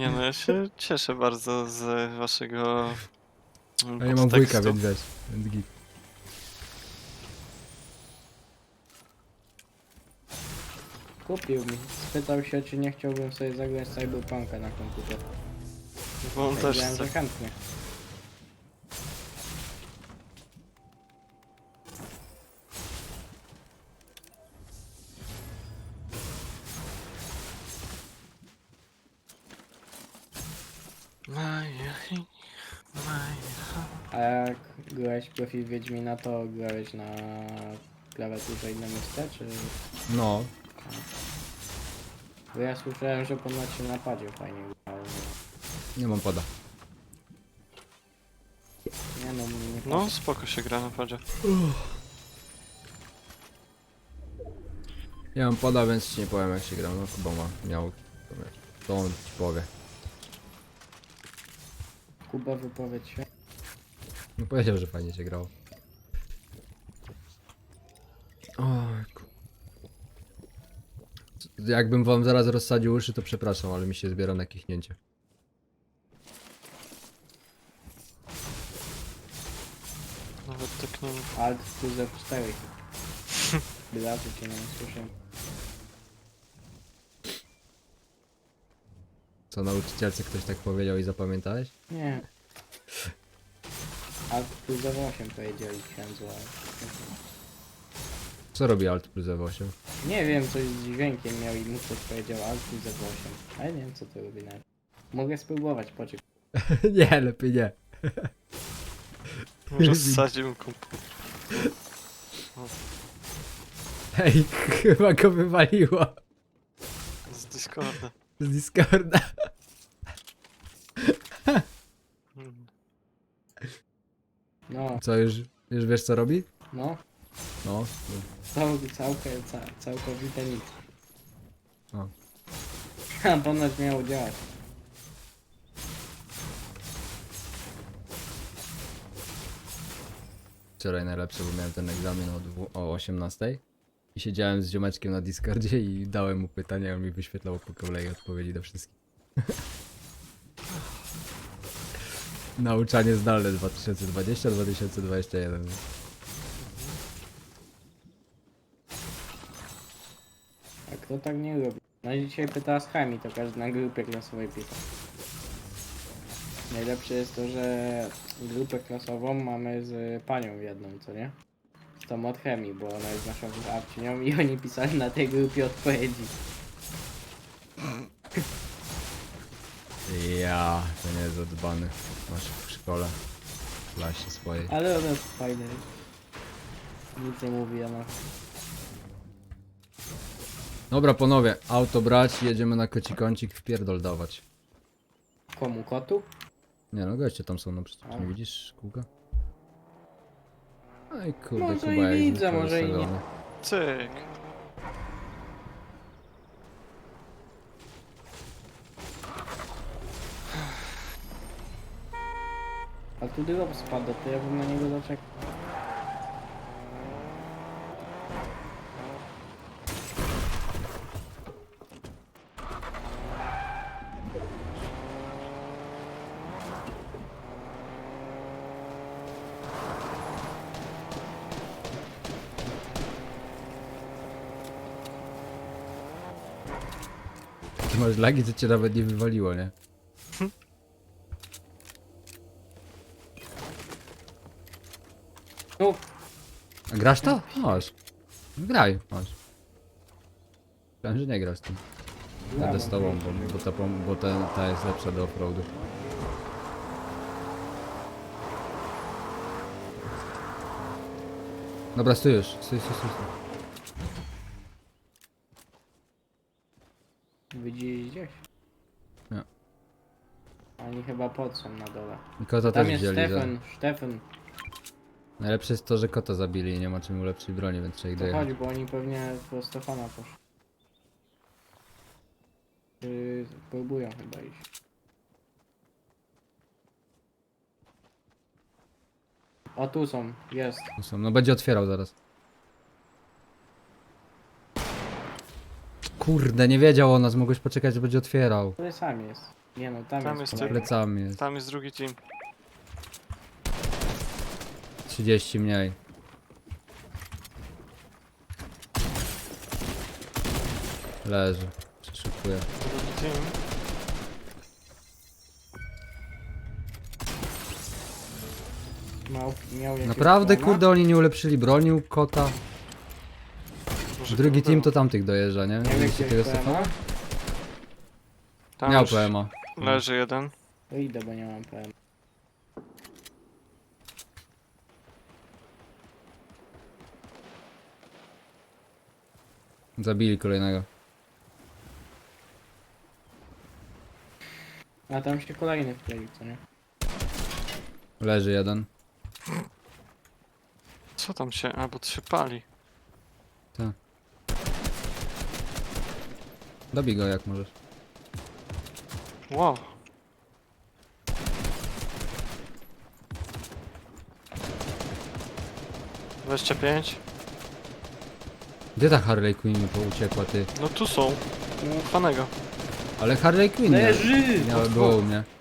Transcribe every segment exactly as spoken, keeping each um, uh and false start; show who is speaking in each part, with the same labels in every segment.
Speaker 1: Nie no, ja się cieszę bardzo z waszego
Speaker 2: A ja mam wujka,
Speaker 1: podtekstu.
Speaker 2: więc wiesz, więc git.
Speaker 3: Kupił mi. Spytał się, czy nie chciałbym sobie zagrać Cyberpunka na komputer.
Speaker 1: Bo on też
Speaker 3: Powiedziałem,
Speaker 1: chce.
Speaker 3: że chętnie.
Speaker 1: Maja, Maja.
Speaker 3: A jak grałeś profil Wiedźmina, to grałeś na klawiaturze i na myszce, czy...
Speaker 2: No,
Speaker 3: Bo ja słyszałem, że ponoć się na padzie fajnie grało.
Speaker 2: nie mam pada.
Speaker 3: Nie no, mnie nie
Speaker 1: No spoko się gra na padzie.
Speaker 2: Ja mam pada, więc ci nie powiem jak się gra. No chyba ma, miał. To wiesz, to on ci powie.
Speaker 3: Kuba, wypowiedź się.
Speaker 2: No powiedział, że fajnie się grało. Oj, ku... Jakbym wam zaraz rozsadził uszy, to przepraszam, ale mi się zbiera na kichnięcie.
Speaker 1: Nawet tak nie wiem.
Speaker 3: Alt plus F cztery. Bilaty cię nie słyszę.
Speaker 2: Co, nauczycielce ktoś tak powiedział i zapamiętałeś?
Speaker 3: Nie. Alt plus F osiem powiedzieli księdzu, ale...
Speaker 2: Co robi Alt plus F osiem?
Speaker 3: Nie wiem, coś z dźwiękiem miał i mu ktoś powiedział Alt plus F osiem. Ale nie wiem, co to robi nawet. Mogę spróbować, poczekaj.
Speaker 2: Nie, lepiej nie.
Speaker 1: Rozsadził komputer.
Speaker 2: Hej, chyba go wywaliło
Speaker 1: Z Discorda.
Speaker 2: z Discorda.
Speaker 1: Hmm.
Speaker 3: No,
Speaker 2: Co, już, już wiesz co robi?
Speaker 3: no.
Speaker 2: No.
Speaker 3: Cał, całkę, ca, całkowite nic.
Speaker 2: O.
Speaker 3: A ponoć miało działać.
Speaker 2: Wczoraj najlepsze, bo miałem ten egzamin o, dwu, o osiemnastej i siedziałem z ziomeczkiem na Discordzie i dałem mu pytania, on mi wyświetlał po kolei odpowiedzi do wszystkich. Nauczanie zdalne dwa tysiące dwudziesty dwa tysiące dwudziesty jeden.
Speaker 3: A kto tak nie robi? No i dzisiaj pytała z chemii, to każdy na grupie klasowej pisał. Najlepsze jest to, że grupę klasową mamy z panią jedną, co nie? Z tą od chemii, bo ona jest naszą wychowawczynią i oni pisali na tej grupie odpowiedzi.
Speaker 2: Ja, to nie jest zadbany. Masz w szkole, w klasie swojej.
Speaker 3: Ale ona jest fajna. Nic nie mówi ona.
Speaker 2: Dobra panowie, auto brać, jedziemy na koci kącik, w pierdol dawać.
Speaker 3: Komu? Kotu?
Speaker 2: Nie no, goście tam są, no przecież
Speaker 3: A.
Speaker 2: nie widzisz kółka? Aj kurde,
Speaker 3: Może
Speaker 2: Kuba
Speaker 3: i
Speaker 2: jak
Speaker 3: widzę,
Speaker 2: zwykle
Speaker 3: może i nie.
Speaker 2: wystawiony.
Speaker 1: Cyk.
Speaker 3: A tu drop spada, to ja bym na niego zaczekał.
Speaker 2: Ty masz lagi, co cię nawet nie wywaliło, nie?
Speaker 3: No,
Speaker 2: A grasz to? Masz. Graj, masz. Myślałem, że nie grasz tym. Jadę z tobą, bo, bo, ta, pom- bo ta, ta jest lepsza do offroadu. Dobra, stój już. Stój, stój, stój. stój.
Speaker 3: widzisz gdzieś?
Speaker 2: Nie.
Speaker 3: Oni chyba pod są na dole.
Speaker 2: I kota
Speaker 3: Tam
Speaker 2: też
Speaker 3: jest
Speaker 2: wzięli. Za...
Speaker 3: Stefan, Stefan.
Speaker 2: Najlepsze jest to, że kota zabili i nie ma czym ulepszyć broni, więc trzeba ich
Speaker 3: To
Speaker 2: dojechać.
Speaker 3: chodź, bo oni pewnie po Stefana poszli. Yy, próbują chyba iść. O, tu są, jest.
Speaker 2: Tu są. No będzie otwierał zaraz. Kurde, nie wiedział o nas, mogłeś poczekać, że będzie otwierał.
Speaker 3: Tutaj sam jest. Nie no, tam,
Speaker 1: Tam
Speaker 3: jest
Speaker 1: jest
Speaker 3: kolejny.
Speaker 2: Plecami jest.
Speaker 1: Tam jest drugi team.
Speaker 2: trzydzieści mniej. Leży. Przeszukuję.
Speaker 1: Drugi team.
Speaker 3: Miał, miał jakiegoś
Speaker 2: Naprawdę
Speaker 3: plana?
Speaker 2: kurde oni nie ulepszyli broni u kota.
Speaker 1: Może
Speaker 2: Drugi
Speaker 1: kogo
Speaker 2: team to
Speaker 1: było?
Speaker 2: tamtych dojeżdża, nie?
Speaker 3: Miał
Speaker 2: Widzieliście
Speaker 3: jakiegoś
Speaker 2: tego
Speaker 3: plana?
Speaker 2: Stefana?
Speaker 1: Tam
Speaker 2: Miał
Speaker 1: już
Speaker 2: P M A.
Speaker 1: leży jeden.
Speaker 3: To idę, bo nie mam P M.
Speaker 2: Zabili kolejnego.
Speaker 3: A tam się kolejny wkleił, co nie?
Speaker 2: Leży jeden.
Speaker 1: Co tam się... A, bo to się pali.
Speaker 2: Dobij go jak możesz.
Speaker 1: Wow. dwadzieścia pięć.
Speaker 2: Gdzie ta Harley Quinn mi uciekła ty?
Speaker 1: No tu są. U Fanego.
Speaker 2: Ale Harley Quinn nie,
Speaker 3: Leży!
Speaker 2: miała było u mnie.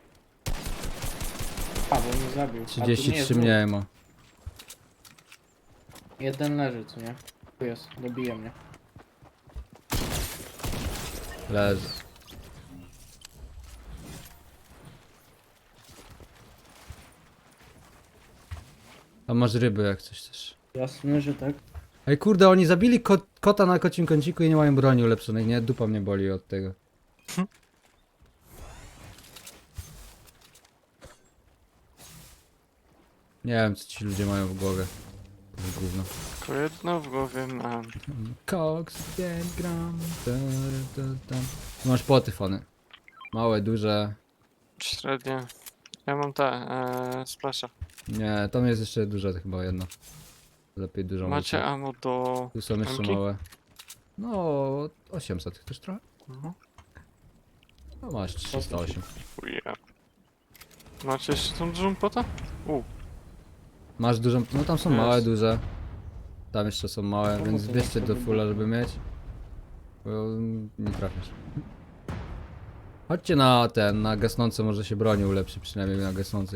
Speaker 3: A, bo mnie zabił. A tu nie
Speaker 2: trzydzieści
Speaker 3: jest
Speaker 2: trzy
Speaker 3: dwóch.
Speaker 2: mniej ma.
Speaker 3: Jeden leży, co nie? Tu jest, dobije mnie.
Speaker 2: Leży. A masz ryby jak coś też.
Speaker 3: Jasne, że tak.
Speaker 2: Ej kurde, oni zabili ko kota na kocim kąciku i nie mają broni ulepszonej, nie? Dupa mnie boli od tego. Nie wiem co ci ludzie mają w głowie. To jest gówno.
Speaker 1: Tylko jedno w głowie mam.
Speaker 2: Cox, pięć gram. Ta, ta, ta. Masz poty fony. Małe, duże.
Speaker 1: Średnie. Ja mam te, e, splasha.
Speaker 2: Nie, tam jest jeszcze duże chyba jedno. Lepiej dużo.
Speaker 1: Macie
Speaker 2: muszę.
Speaker 1: ammo do...
Speaker 2: Tu są jeszcze
Speaker 1: Emki?
Speaker 2: małe. No, osiemset chcesz trochę?
Speaker 1: Mhm.
Speaker 2: No masz trzysta osiem.
Speaker 1: Yeah. Macie jeszcze tą dużą potę? U,
Speaker 2: Masz dużą, no tam są
Speaker 1: Jest.
Speaker 2: małe, duże. Tam jeszcze są małe,
Speaker 3: No,
Speaker 2: więc
Speaker 3: to
Speaker 2: bierzcie
Speaker 3: tak
Speaker 2: do
Speaker 3: sobie
Speaker 2: fulla,
Speaker 3: było.
Speaker 2: żeby mieć. Bo nie trafisz. Chodźcie na ten, na gasnące, może się broni ulepszy, przynajmniej na gasnących.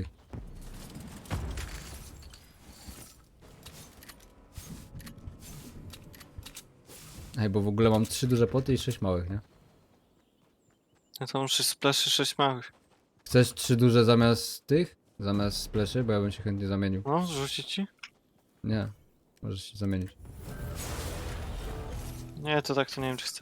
Speaker 2: Ej, bo w ogóle mam trzy duże poty i sześć małych, nie?
Speaker 1: ja to muszę spleszy sześć małych.
Speaker 2: Chcesz trzy duże zamiast tych? Zamiast spleszy? Bo ja bym się chętnie zamienił.
Speaker 1: No, zrzucić ci?
Speaker 2: Nie, możesz się zamienić.
Speaker 1: Nie, to tak to nie wiem czy chcę.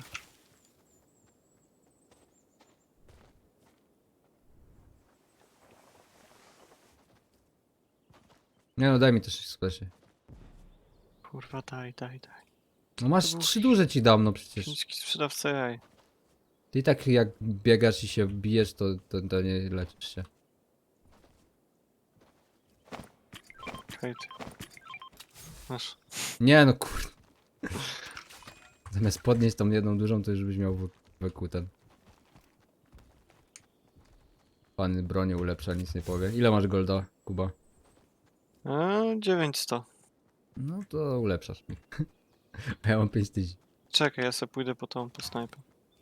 Speaker 2: Nie no, daj mi też spleszy.
Speaker 1: Kurwa, daj, daj, daj.
Speaker 2: No masz
Speaker 1: To był
Speaker 2: trzy duże ci dam, no przecież.
Speaker 1: Chiński sprzedawca jaj.
Speaker 2: Ty i tak jak biegasz i się bijesz, to, to, to nie leczysz się.
Speaker 1: Hejt. Masz.
Speaker 2: Nie no kur... Zamiast podnieść tą jedną dużą, to już byś miał w- wokół ten. Pan bronię ulepsza, nic nie powie. Ile masz golda, Kuba?
Speaker 1: Eee, dziewięćset.
Speaker 2: No to ulepszasz mi. A ja mam pięć tysięcy.
Speaker 1: Czekaj, ja sobie pójdę po tą, po snajpę.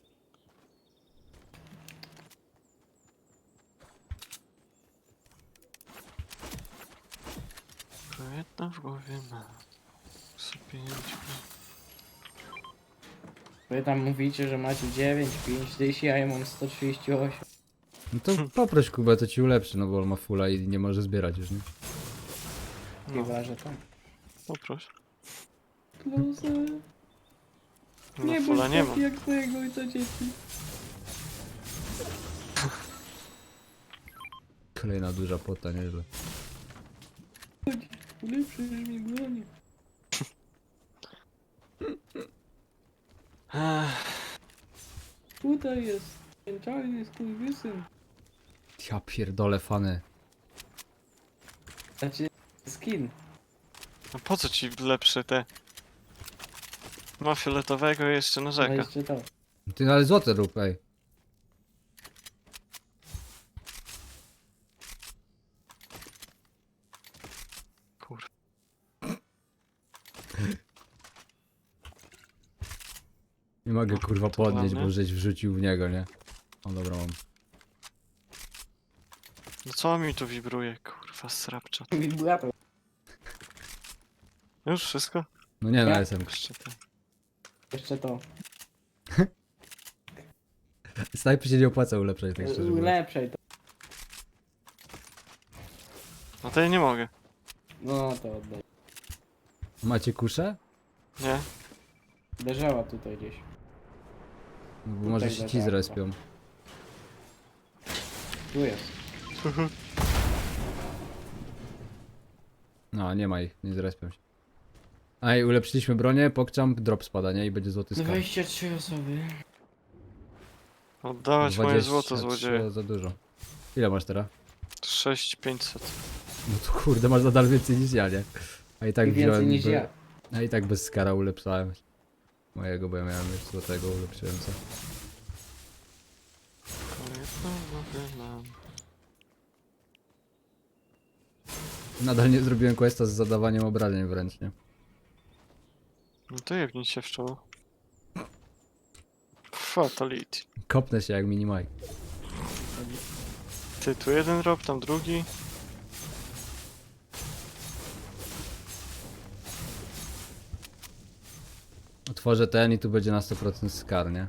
Speaker 1: Tylko jedna w głowie ma. Sobie pięć.
Speaker 3: Wy tam mówicie, że macie dziewięć, pięć tysięcy, a ja mam sto trzydzieści osiem.
Speaker 2: No to poproś Kubę, to ci ulepszy, no bo on ma fulla i nie może zbierać już, nie?
Speaker 1: No,
Speaker 3: Chyba, że tak.
Speaker 1: poproś.
Speaker 3: Plus, e,
Speaker 1: No,
Speaker 3: nie
Speaker 1: fula
Speaker 3: bądź
Speaker 1: nie
Speaker 3: taki
Speaker 1: ma.
Speaker 3: jak twojego ojca dzieci.
Speaker 2: Kolejna duża pota, nieźle.
Speaker 3: Chodź, ulepszysz mi bronię.
Speaker 1: Ech,
Speaker 3: Tutaj jest ten czarny skurwysyn.
Speaker 2: Ja pierdolę fany.
Speaker 3: Znaczy, skin.
Speaker 1: no po co ci lepsze te? Ma fioletowego i jeszcze
Speaker 3: Ale
Speaker 1: narzeka.
Speaker 3: jeszcze to.
Speaker 2: Ty ale złote rób, ej.
Speaker 1: Kur...
Speaker 2: Nie mogę kurwa
Speaker 1: to
Speaker 2: podnieść,
Speaker 1: ładne.
Speaker 2: bo żeś wrzucił w niego, nie? O dobra mam.
Speaker 1: No co mi tu wibruje, kurwa, srapcza.
Speaker 3: Wibrator.
Speaker 1: Już wszystko?
Speaker 2: No nie, na
Speaker 3: Ja-
Speaker 2: S M.
Speaker 1: Jeszcze ten.
Speaker 3: Jeszcze to.
Speaker 2: Snajpy się nie opłaca ulepszać, tak szczerze mówiąc.
Speaker 3: Ulepszaj to.
Speaker 1: No to ja nie mogę.
Speaker 3: No to oddaj.
Speaker 2: Macie kuszę?
Speaker 1: Nie?
Speaker 3: Leżała tutaj gdzieś.
Speaker 2: No bo może się ci
Speaker 3: leżała.
Speaker 2: zrespią.
Speaker 3: Tu jest.
Speaker 2: No, nie ma ich, nie zrespią się. A i ulepszyliśmy bronię, pokczam, drop spada, nie? I będzie złoty skarb.
Speaker 3: dwadzieścia trzy osoby.
Speaker 1: Oddawać moje
Speaker 2: dwadzieścia
Speaker 1: złoto,
Speaker 2: trzy
Speaker 1: złodzieje.
Speaker 2: za dużo. Ile masz teraz?
Speaker 1: sześć pięćset.
Speaker 2: No to kurde, masz nadal więcej niż ja, nie? A i tak
Speaker 3: I więcej
Speaker 2: wziąłem
Speaker 3: niż
Speaker 2: be-
Speaker 3: ja.
Speaker 2: A i tak bez skara ulepszałem mojego, bo ja miałem już złotego, ulepszyłem co. Nadal nie zrobiłem questa z zadawaniem obrażeń wręcz, nie?
Speaker 1: No to jebnij się w czoło. Fatality.
Speaker 2: Kopnę się jak mini Mike.
Speaker 1: Ty, tu jeden rob, tam drugi.
Speaker 2: Otworzę ten i tu będzie na sto procent skar, nie?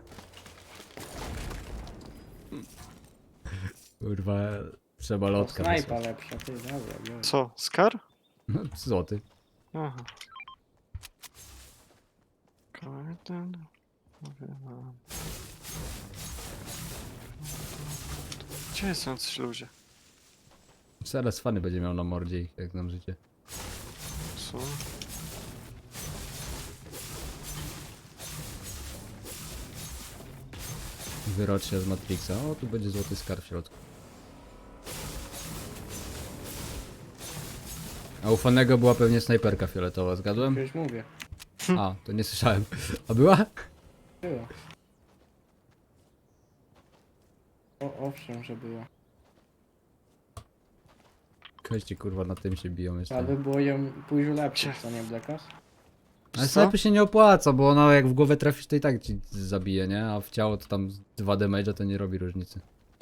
Speaker 2: Kurwa, trzeba
Speaker 3: O,
Speaker 2: lotka
Speaker 3: snajpa
Speaker 2: wysłać.
Speaker 3: lepsza, ty, dobra, biorę.
Speaker 1: Co? Skar?
Speaker 2: No, złoty.
Speaker 1: Aha. Kolejny. Mówię wam. Gdzie są jacyś ludzie?
Speaker 2: Zaraz fany będzie miał na mordzie ich, jak znam życie.
Speaker 1: Co?
Speaker 2: Wyrocznia z Matrixa. O, tu będzie złoty skarb w środku. A u fanego była pewnie snajperka fioletowa, zgadłem?
Speaker 3: Już mówię.
Speaker 2: A, to nie słyszałem. A była?
Speaker 3: Było. O, owszem, że było.
Speaker 2: Kości kurwa na tym się biją jeszcze.
Speaker 3: Trzeba by było ją pójść ulepszyć,
Speaker 1: Gdzie?
Speaker 3: co nie, Blackas?
Speaker 2: Ale
Speaker 1: Co?
Speaker 2: snajpy się nie opłaca, bo ona jak w głowę trafisz to i tak ci zabije, nie? A w ciało to tam dwa damage'a to nie robi różnicy.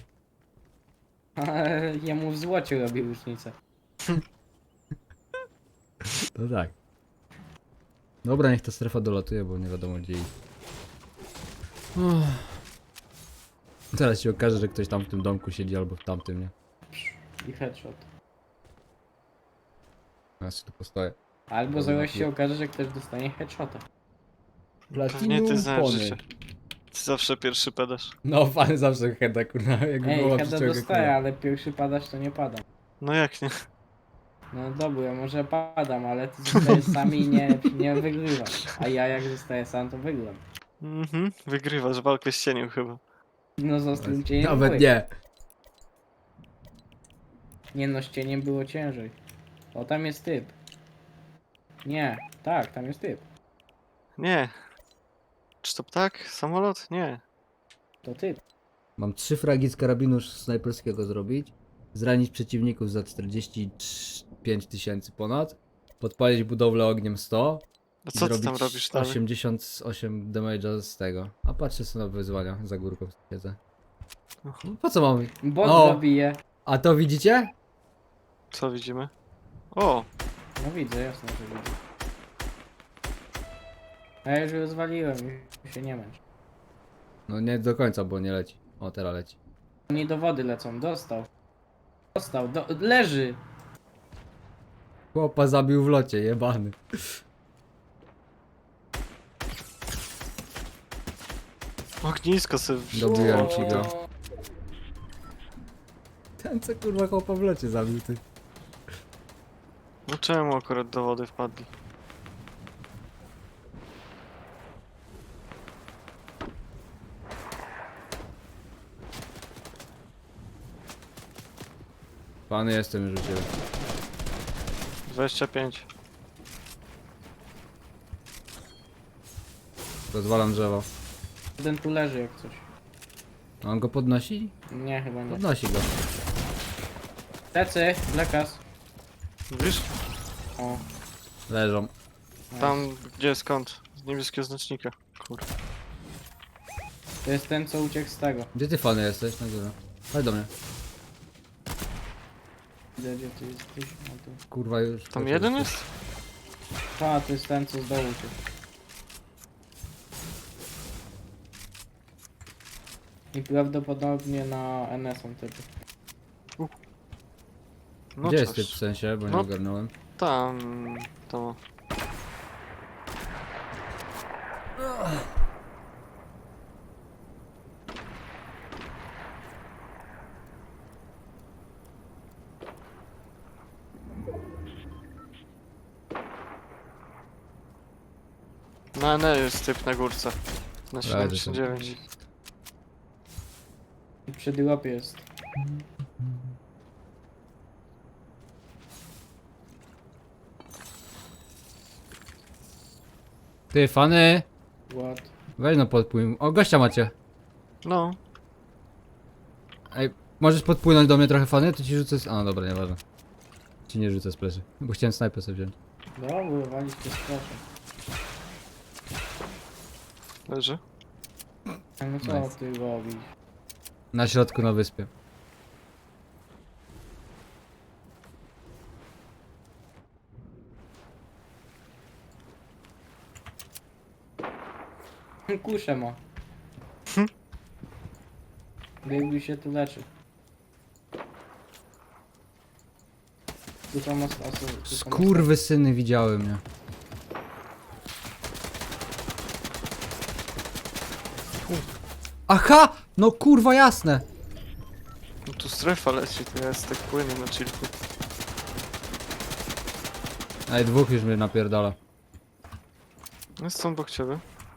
Speaker 3: Ale jemu w złocie robi różnicę.
Speaker 2: To tak. Dobra, niech ta strefa dolatuje, bo nie wiadomo gdzie iść. Uff. Teraz się okaże, że ktoś tam w tym domku siedzi albo w tamtym, nie?
Speaker 3: I headshot.
Speaker 2: Ja się tu postoję.
Speaker 3: Albo
Speaker 2: Dobra,
Speaker 3: zaraz się
Speaker 2: nie.
Speaker 3: okaże, że ktoś dostanie headshota.
Speaker 1: Pewnie ty znasz życie. Ty zawsze pierwszy pedasz.
Speaker 2: No, fan zawsze heada, kurwa, jak
Speaker 3: Ej,
Speaker 2: była
Speaker 3: heada
Speaker 2: przyczołga,
Speaker 3: dostaję, ale pierwszy padać to nie padam.
Speaker 1: No jak nie?
Speaker 3: No dobra, może padam, ale ty zostajesz sami i nie, nie wygrywasz. A ja jak zostaję sam, to wygram.
Speaker 1: Mhm. Wygrywasz walkę z cieniem chyba.
Speaker 3: No został cieniem.
Speaker 2: Nawet
Speaker 3: byłeś.
Speaker 2: nie.
Speaker 3: Nie no, z cieniem było ciężej. O, tam jest typ. Nie, tak, tam jest typ.
Speaker 1: Nie. Czy to ptak? Samolot? Nie.
Speaker 3: To typ.
Speaker 2: Mam trzy fragi z karabinu snajperskiego zrobić. Zranić przeciwników za czterdzieści pięć tysięcy ponad. Podpalić budowlę ogniem sto.
Speaker 1: A
Speaker 2: i
Speaker 1: co ty
Speaker 2: zrobić
Speaker 1: tam robisz dalej?
Speaker 2: osiemdziesiąt osiem damage'a z tego. A patrzę sobie na wyzwania, za górką siedzę.
Speaker 1: Aha.
Speaker 2: No, po co mam?
Speaker 3: Bot
Speaker 2: O!
Speaker 3: zabije.
Speaker 2: A to widzicie?
Speaker 1: Co widzimy? O!
Speaker 3: No widzę, jasno, że widzę. A ja już rozwaliłem, już się nie męcz.
Speaker 2: No nie do końca, bo nie leci. O, teraz leci.
Speaker 3: Oni do wody lecą, dostał. Dostał, do, leży!
Speaker 2: Chłopa zabił w locie, jebany.
Speaker 1: Ognisko sobie wziął.
Speaker 2: Dobiłem ci go.
Speaker 3: O,
Speaker 2: Ten co kurwa chłopa w locie zabił, ty.
Speaker 1: No czemu akurat do wody wpadli?
Speaker 2: Pany jestem już u ciebie.
Speaker 1: dwadzieścia pięć.
Speaker 2: Rozwalam drzewo.
Speaker 3: jeden tu leży jak coś.
Speaker 2: A on go podnosi?
Speaker 3: Nie, chyba nie.
Speaker 2: Podnosi go.
Speaker 3: Tecy, Blackas.
Speaker 1: Wiesz?
Speaker 3: O,
Speaker 2: Leżą.
Speaker 3: nice.
Speaker 1: Tam, gdzie, skąd? Z niebieskiego znacznika. Kurwa.
Speaker 3: To jest ten, co uciekł z tego.
Speaker 2: Gdzie ty fany jesteś? Na górze. Chodź do mnie.
Speaker 3: Widzę, gdzie ty jesteś. No tu.
Speaker 2: Kurwa już.
Speaker 1: Tam
Speaker 2: leciał
Speaker 1: jeden
Speaker 2: tu.
Speaker 1: jest?
Speaker 3: A, to jest ten, co z dołu tu. I prawdopodobnie na N S on typy.
Speaker 1: No
Speaker 2: Gdzie jest
Speaker 1: cześć.
Speaker 2: typ w sensie, bo nie
Speaker 1: No.
Speaker 2: ogarnąłem.
Speaker 1: Tam, to. Na N jest typ na górce. Na siedemdziesiąt dziewięć.
Speaker 3: I przy drop jest.
Speaker 2: Ty, fany!
Speaker 3: What?
Speaker 2: Weź no podpłyń. O, gościa macie.
Speaker 1: No,
Speaker 2: Ej, możesz podpłynąć do mnie trochę, fany? To ci rzucę z... A, dobra, nieważne. Ci nie rzucę z plecy. Bo chciałem snajpę sobie wziąć.
Speaker 3: Dobra, wywalić to proszę.
Speaker 1: leży.
Speaker 3: A no co
Speaker 2: Nice.
Speaker 3: ty robisz?
Speaker 2: Na środku na wyspie.
Speaker 3: Kuszę ma. Baby się tu leczy. Tu tam os- oso- tu tam os-
Speaker 2: Skurwy syny widziały mnie. Aha! No kurwa jasne!
Speaker 1: No tu strefa leci, to jest tak płynie na chillku.
Speaker 2: Ej, dwóch już mnie napierdala.
Speaker 1: Jest są obok ciebie.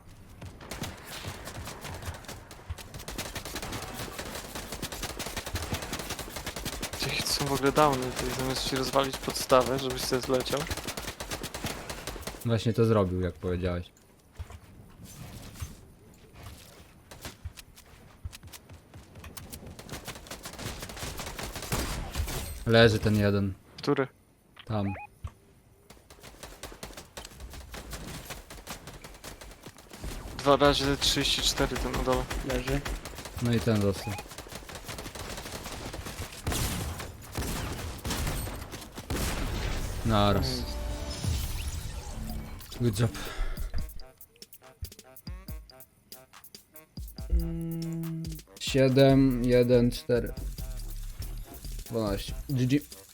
Speaker 1: Gdzie są w ogóle downy, to zamiast ci rozwalić podstawę, żebyś sobie zleciał.
Speaker 2: Właśnie to zrobił, jak powiedziałeś. Leży ten jeden.
Speaker 1: Który?
Speaker 2: Tam.
Speaker 1: Dwa razy trzydzieści cztery ten na dole.
Speaker 3: leży.
Speaker 2: No i ten dostał. Naraz.
Speaker 3: Mm.
Speaker 2: Good job.
Speaker 3: Mm.
Speaker 2: siedem, jeden, cztery. dwanaście. G G.